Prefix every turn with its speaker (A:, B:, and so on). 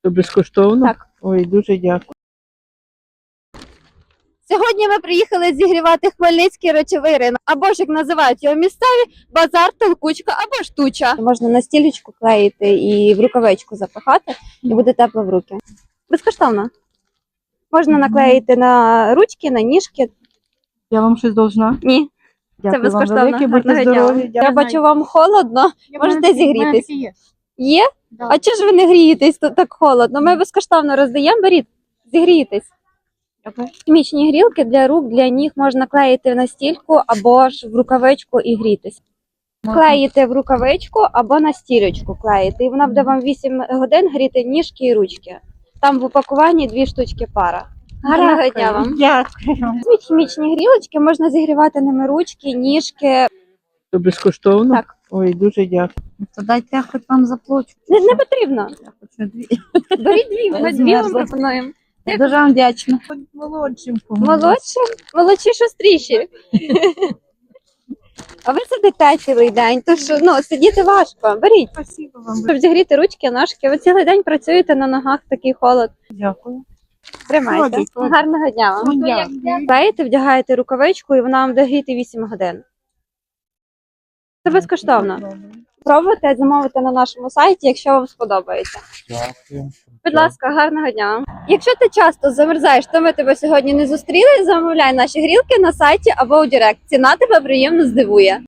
A: То безкоштовно?
B: Так.
A: Ой, дуже дякую.
B: Сьогодні ми приїхали зігрівати Хмельницький речовий ринок, або ж, як називають його місцеві, базар, толкучка або штуча. Можна на стілечку клеїти і в рукавичку запихати, і буде тепло в руки. Безкоштовно. Можна наклеїти на ручки, на ніжки.
A: Я вам щось должна?
B: Ні,
A: Дякую
B: це безкоштовно.
A: вам велике, будьте
B: Гарного дня.
A: здорові.
B: Я бачу, вам холодно. Можете зігрітись. Є?
C: Да.
B: А чого ж ви не грієтесь, тут так холодно? Ми безкоштовно роздаємо, беріть, зігрієтесь. Хімічні грілки для рук, для ніг можна клеїти на стільку або ж в рукавичку і грітись. Клеїте в рукавичку або на стілечку клеїте, і вона буде вам 8 годин гріти ніжки і ручки. Там в упакуванні 2 штучки пара. Гарного дня вам!
C: Дякую.
B: Візьміть хімічні грілочки, можна зігрівати ними ручки, ніжки.
A: То безкоштовно?
B: Так.
A: Ой, дуже дякую.
C: То дайте я хоч вам заплачу.
B: Не потрібно.
C: Я хочу 2.
B: Беріть 2, ми 2 вам пропонуємо.
C: Я дуже вам вдячна.
A: Молодшим
B: Молодші, шустріші. А ви сидите цілий день, тож сидіти важко. Беріть,
A: Спасибо вам.
B: щоб зігріти ручки, ножки. Ви цілий день працюєте на ногах, такий холод.
A: Дякую.
B: Тримайте.
A: Ходить.
B: Гарного дня вам.
A: Дякую.
B: Клеїте, вдягаєте рукавичку і вона вам буде гріти 8 годин. Це безкоштовно. Пробуйте, замовити на нашому сайті, якщо вам сподобається.
D: Дякую.
B: Будь ласка, гарного дня вам. Якщо ти часто замерзаєш, то ми тебе сьогодні не зустріли, замовляй наші грілки на сайті або у Директ. Ціна тебе приємно здивує.